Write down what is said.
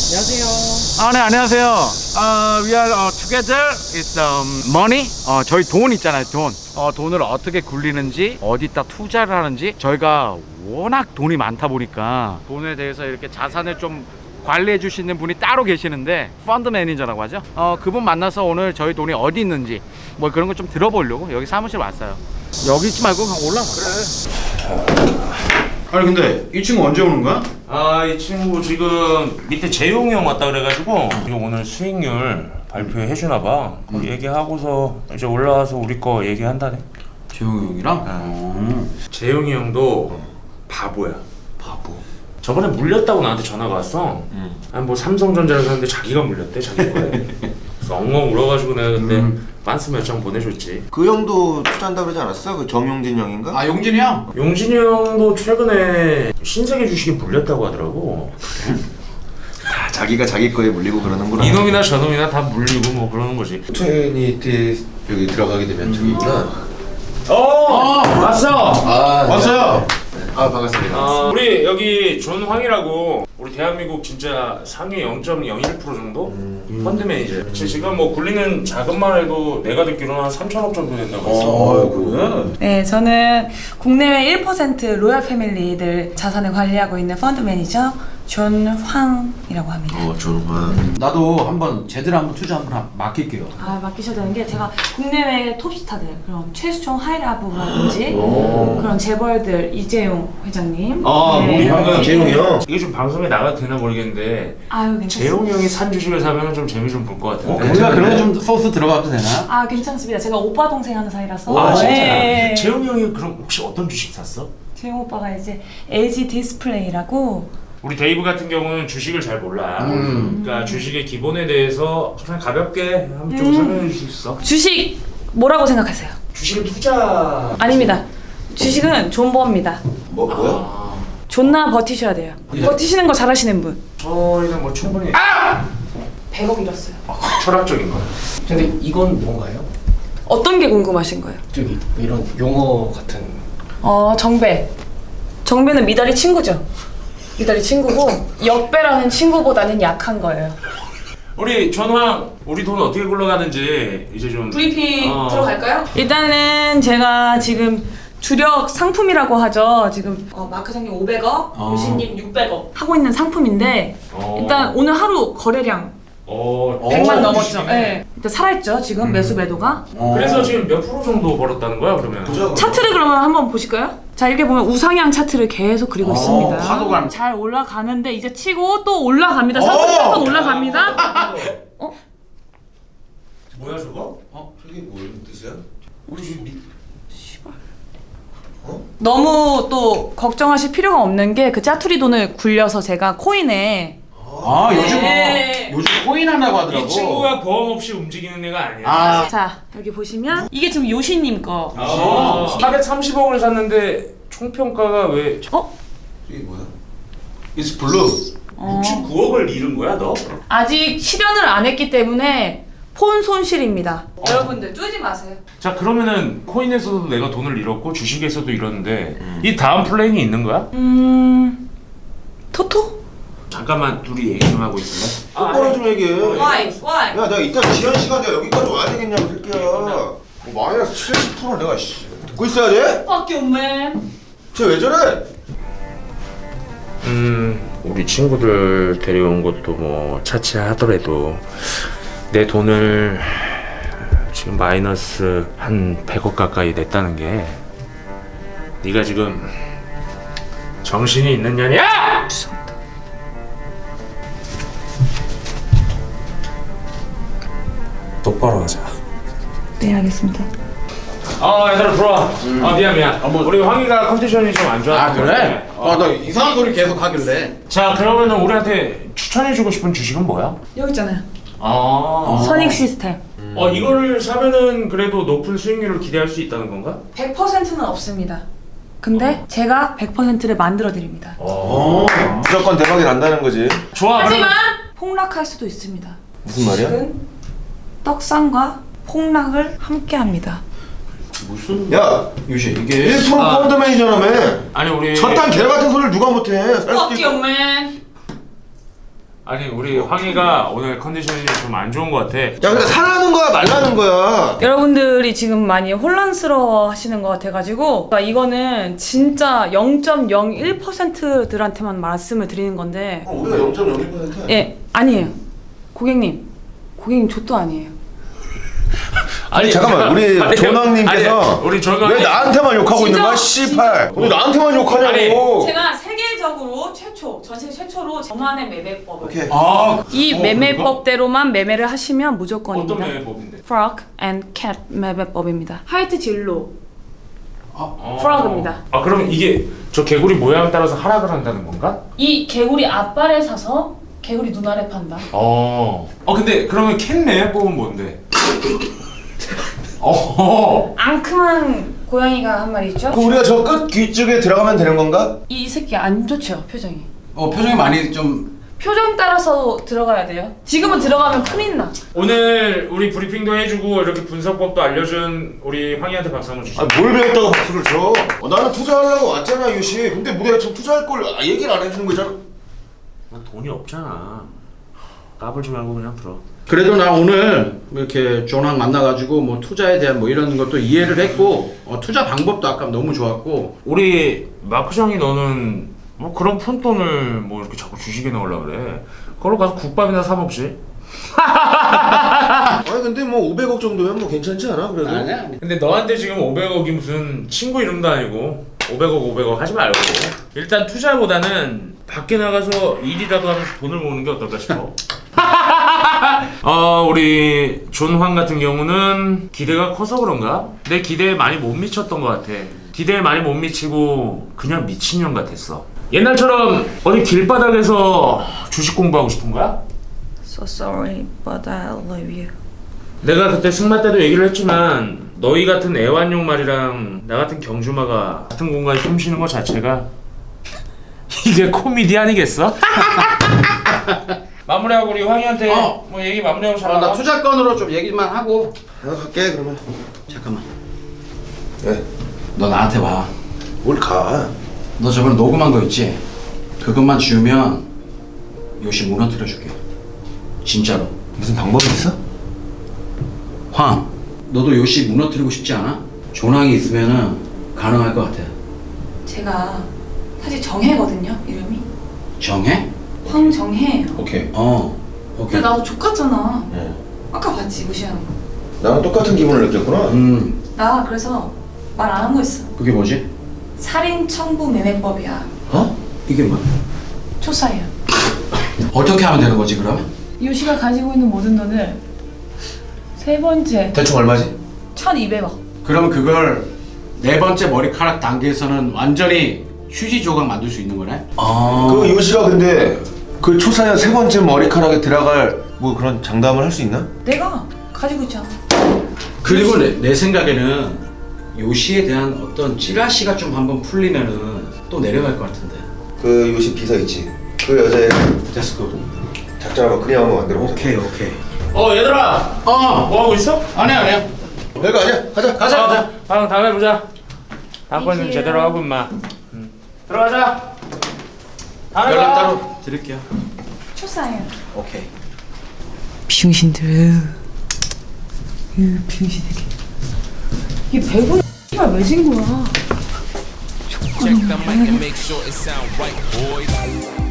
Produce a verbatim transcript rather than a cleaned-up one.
안녕하세요. 아, 네, 안녕하세요. Uh, we are uh, together. It's um, money. 어, 저희 돈 있잖아요, 돈. 어, 돈을 어떻게 굴리는지, 어디다 투자를 하는지. 저희가 워낙 돈이 많다 보니까 돈에 대해서 이렇게 자산을 좀 관리해 주시는 분이 따로 계시는데 펀드 매니저라고 하죠. 어, 그분 만나서 오늘 저희 돈이 어디 있는지 뭐 그런 거 좀 들어보려고 여기 사무실 왔어요. 여기 있지 말고 그냥 올라가. 그래. 아니 근데 이 친구 언제 오는 거야? 아, 이 친구 지금 밑에 재용이 형 왔다 그래가지고 지금 오늘 수익률 발표해 주나 봐. 그 얘기하고서 이제 올라와서 우리 거 얘기한다네. 재용이 형이랑? 응. 재용이 형도 바보야. 바보. 저번에 물렸다고 나한테 전화가 왔어. 응. 아니 뭐 삼성전자를 샀는데 자기가 물렸대, 자기 거에. 그래서 엉엉 울어가지고 내가 근데 음. 반스 몇 장 보내줬지. 그 형도 투자한다 그러지 않았어? 그 정용진 형인가? 아, 용진이 형? 용진이 형도 최근에 신세계 주식이 물렸다고 하더라고. 다 자기가 자기 거에 물리고 그러는구나. 이놈이나 저놈이나 다 물리고 뭐 그러는 거지. 트레이니티 여기 들어가게 되면 저기구나. 어! 어! 왔어! 아, 왔어요! 아 반갑습니다. 어, 우리 여기 존황이라고 우리 대한민국 진짜 상위 영 점 영일 퍼센트 정도 펀드 매니저. 그치, 지금 뭐 굴리는 자금만 해도 내가 듣기로는 한 삼천억 정도 된다고 했어. 어, 그래? 네, 저는 국내외 일 퍼센트 로얄 패밀리들 자산을 관리하고 있는 펀드 매니저 존황이라고 합니다. 어, 조롱아. 나도 한번 제대로 한번 투자 한번 하- 맡길게요. 아, 맡기셔야 되는 게 제가 국내외 톱스타들, 그럼 최수종 하이라브라든지 그런 재벌들, 이재용 회장님. 아, 우리 형은 재용이 형. 이게 좀 방송에 나가도 되나 모르겠는데 아유, 괜찮습니다. 재용이 형이 산 주식을 사면 좀 재미 좀 볼 것 같은데. 우리가 그런 거 좀 소스 들어가도 되나? 아, 괜찮습니다. 제가 오빠 동생 하는 사이라서. 아, 진짜? 네. 재용이 형이 그럼 혹시 어떤 주식 샀어? 재용 오빠가 이제 엘지 디스플레이라고. 우리 데이브 같은 경우는 주식을 잘 몰라. 음. 그러니까 주식의 기본에 대해서 그냥 가볍게 한번 좀 음. 설명해 줄 수 있어? 주식 뭐라고 생각하세요? 주식은 투자. 아닙니다. 주식은 존버입니다. 뭐 뭐야? 아, 존나 버티셔야 돼요. 버티시는 거 잘하시는 분. 저희는 뭐 충분히 아! 백억 잃었어요. 철학적인 거. 근데 이건 뭔가요? 어떤 게 궁금하신 거예요? 저기 이런 용어 같은. 어, 정배. 정배는 미달이 친구죠. 미달이 친구고 역배라는 친구보다는 약한 거예요. 우리 전황, 우리 돈 어떻게 굴러가는지 이제 좀 브리핑 어. 들어갈까요? 일단은 제가 지금 주력 상품이라고 하죠. 지금 어, 마크장님 오백억, 어. 유신님 육백억 하고 있는 상품인데 어. 일단 오늘 하루 거래량 어, 백만 어, 넘었죠. 주식이네. 네. 일단 살아있죠. 지금 매수 매도가. 그래서 지금 몇 프로 정도 벌었다는 거야 그러면? 차트를 그러면 한번 보실까요? 자, 이렇게 보면 우상향 차트를 계속 그리고 어, 있습니다. 파도가- 잘 올라가는데 이제 치고 또 올라갑니다. 상승 번 올라갑니다. 어? 뭐야 저거? 어? 저게 무슨 뜻이야? 우리 집 밑... 너무 또 걱정하실 필요가 없는 게 그 짜투리 돈을 굴려서 제가 코인에 아, 요즘 네. 요즘 코인 한다고 하더라고. 이 친구가 보험 없이 움직이는 애가 아니야. 아, 자, 여기 보시면 이게 지금 요시님 거. 아, 사백삼십억을 샀는데 총평가가 왜 어? 저게 뭐야? It's blue. 어. 육십구억을 잃은 거야 너? 아직 실현을 안 했기 때문에 폰 손실입니다. 여러분들 쪼지 마세요. 자 그러면은 코인에서도 내가 돈을 잃었고 주식에서도 잃었는데 이 다음 플랜이 있는 거야? 음... 토토? 잠깐만 둘이 얘기 좀 하고 있을래? 똑바로 좀 얘기해. Why? Why? 야, 내가 이따 지연 시간 내가 여기까지 와야 되겠냐고, 새끼야. 뭐 마이너스 칠십 퍼센트 내가 씨, 듣고 있어야 돼? Fuck you, man. 쟤 왜 저래? 음 우리 친구들 데려온 것도 뭐 차치하더라도 내 돈을 지금 마이너스 한 백억 가까이 냈다는 게 네가 지금 정신이 있는 년이야? 똑바로 하자. 네, 알겠습니다. 아 얘들아 들어와. 아 미안 미안. 우리 황희가 컨디션이 좀 안 좋아. 아, 그래? 아, 나 이상한 소리 계속 하길래. 자 그러면은 우리한테 추천해주고 싶은 주식은 뭐야? 여기 있잖아요. 아. 선익 시스템. 어 이거를 사면은 그래도 높은 수익률을 기대할 수 있다는 건가? 백 퍼센트는 없습니다. 근데 제가 백 퍼센트를 만들어 드립니다. 어. 무조건 대박이 난다는 거지. 좋아. 하지만 폭락할 수도 있습니다. 무슨 말이야? 주식은 떡상과 폭락을 함께 합니다. 무슨? 야, 유시 이게 일 퍼센트 펀드 매니저라며. 아니 우리 저딴 개 같은 소리를 누가 못해? 살 수도 Fuck 있고. you, man. 아니 우리 황희가 오늘 컨디션이 좀 안 좋은 것 같아. 야 근데 사라는 거야 말라는 거야? 여러분들이 지금 많이 혼란스러워 하시는 것 같아가지고 그러니까 이거는 진짜 영 점 영일 퍼센트들한테만 말씀을 드리는 건데 어, 우리가 영 점 영일 퍼센트야. 예 아니에요 고객님 고객님 족도 아니에요. 아니 잠깐만 우리 아니, 존왕님께서 아니, 우리 존왕이- 왜 나한테만 욕하고 있는 거야? 진짜? 씨팔 왜 나한테만 욕하냐고. 제가 세계적으로 최초 전세계 최초로 저만의 매매법을 오케이. 아, 이 어, 매매법대로만 매매를 하시면 무조건입니다. 어떤 매매법인데? Frog and Cat 매매법입니다. 화이트 진로 어. 프로그입니다. 아 그럼 이게 저 개구리 모양 따라서 하락을 한다는 건가? 이 개구리 앞발에 사서 개구리 눈 아래 판다. 어. 어 근데 그러면 캔 매매법은 뭔데? 어. 앙큼한 고양이가 한 마리 있죠? 그 우리가 저 끝 귀 쪽에 들어가면 되는 건가? 이 새끼 안 좋죠 표정이. 어 표정이 많이 좀 표정 따라서 들어가야 돼요. 지금은 들어가면 큰일 나. 오늘 우리 브리핑도 해주고 이렇게 분석법도 알려준 우리 황희한테 박수 한번 주시죠. 아뭘 배웠다고 박수를 쳐? 어, 나는 투자하려고 왔잖아 유시. 근데 뭐 내가 지금 투자할 걸 아, 얘기를 안 해주는 거잖아. 난 돈이 없잖아. 까불지 말고 그냥 들어. 그래도 나 오늘 이렇게 존왕 만나가지고 뭐 투자에 대한 뭐 이런 것도 이해를 했고 어, 투자 방법도 아까 너무 좋았고 우리 마크장이 너는 뭐 그런 푼돈을 뭐 이렇게 자꾸 주식에 넣으려고 그래. 그걸로 가서 국밥이나 사 먹지. 아니 근데 뭐 오백억 정도면 뭐 괜찮지 않아 그래도? 아니야 아니. 근데 너한테 지금 오백억이 무슨 친구 이름도 아니고 오백억 오백억 하지 말고 일단 투자보다는 밖에 나가서 일이라도 하면서 돈을 모으는 게 어떨까 싶어. 어 우리 존황 같은 경우는 기대가 커서 그런가? 내 기대에 많이 못 미쳤던 것 같아. 기대에 많이 못 미치고 그냥 미친년 같았어. 옛날처럼 어디 길바닥에서 주식 공부하고 싶은 거야? So sorry, but I love you. 내가 그때 승마 때도 얘기를 했지만 너희 같은 애완용 말이랑 나 같은 경주마가 같은 공간에 숨 쉬는 것 자체가 이게 코미디 아니겠어? 마무리하고 우리 황희한테 어. 뭐 얘기 마무리하고 잘 어, 나 나가. 투자건으로 좀 얘기만 하고 내가 갈게 그러면. 잠깐만 예. 너 나한테 와. 뭘 가? 너 저번에 녹음한 거 있지? 그것만 지우면 요시 무너뜨려 줄게 진짜로. 무슨 방법이 있어? 황 너도 요시 무너뜨리고 싶지 않아? 존왕이 있으면은 가능할 것 같아. 제가 사실 정혜거든요 이름이. 정해? 황정혜예요. 오케이. 어 오케이. 근데 나도 족같잖아. 예. 아까 봤지 무시하는 거. 나랑 똑같은 기분을 느꼈구나. 음 나 그래서 말 안 한 거 있어. 그게 뭐지? 살인 청부 매매법이야. 어? 이게 뭐야? 초사예요. 어떻게 하면 되는 거지 그러면? 요시가 가지고 있는 모든 돈을 세 번째 대충 얼마지? 천이백억. 그러면 그걸 네 번째 머리카락 단계에서는 완전히 휴지 조각 만들 수 있는 거네? 아 그 요시가 근데 그 초사연 세 번째 머리카락에 들어갈 뭐 그런 장담을 할 수 있나? 내가 가지고 있잖아. 그리고 내, 내 생각에는 요시에 대한 어떤 찌라시가 좀 한번 풀리면은 또 내려갈 것 같은데. 그 요시 비서 있지. 그 여자애 됐어 그거. 작전하고 그냥 한번 만들어 보자. 오케이 오케이. 어 얘들아 어 뭐 하고 있어? 아니야 아니야. 별거 아니야. 가자. 가자 가자. 아 다음에 보자. 다음번에는 제대로 하고 임마. 응. 들어가자. 다음에 연락 봐. 따로 드릴게요. 초사예요. 오케이. 병신들. 이 병신들. 이게 백원 X발 왜진 거야? Check the mic and make sure it sound right, boys.